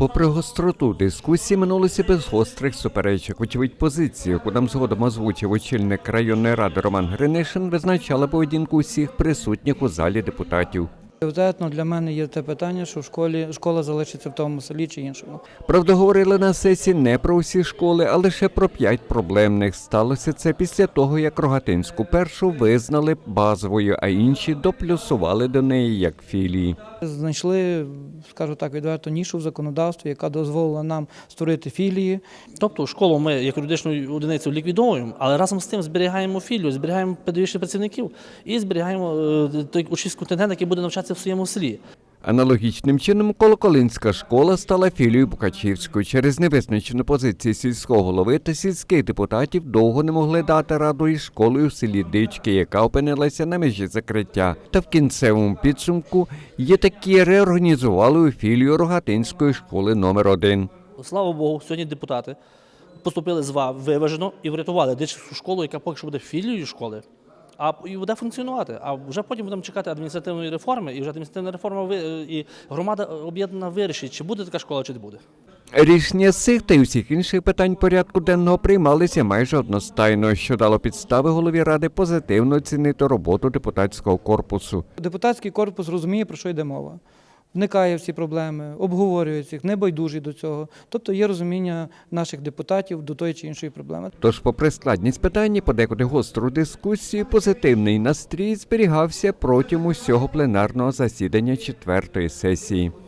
Попри гостроту дискусії, минулося без гострих суперечок. Очевидь, позицію, яку нам згодом озвучив очільник районної ради Роман Гринишин, визначала поведінку усіх присутніх у залі депутатів. Пріоритетно для мене є те питання, що школа залишиться в тому селі чи іншому. Правда, говорили на сесії не про усі школи, а лише про 5 проблемних. Сталося це після того, як Рогатинську першу визнали базовою, а інші доплюсували до неї як філії. Знайшли, скажу так, відверто нішу в законодавстві, яка дозволила нам створити філії. Тобто школу ми як юридичну одиницю ліквідовуємо, але разом з тим зберігаємо філію, зберігаємо педагогічних працівників і зберігаємо той учнівський контингент, який буде навчатися в своєму селі. Аналогічним чином Колоколинська школа стала філією Букачівської. Через невизначену позицію сільського голови та сільських депутатів довго не могли дати раду із школою в селі Дички, яка опинилася на межі закриття. Та в кінцевому підсумку є такі реорганізували у філію Рогатинської школи номер 1. Слава Богу, сьогодні депутати поступили виважено і врятували дитячу школу, яка поки що буде філією школи. І буде функціонувати. А вже потім будемо чекати адміністративної реформи, і вже адміністративна реформа і громада об'єднана вирішить, чи буде така школа, чи не буде. Рішення з цих та й усіх інших питань порядку денного приймалися майже одностайно, що дало підстави голові ради позитивно оцінити роботу депутатського корпусу. Депутатський корпус розуміє, про що йде мова. Вникає в ці проблеми, обговорює їх, небайдужий до цього. Тобто є розуміння наших депутатів до тої чи іншої проблеми. Тож, попри складність питання, подекуди гостру дискусію, позитивний настрій зберігався протягом усього пленарного засідання 4-ї сесії.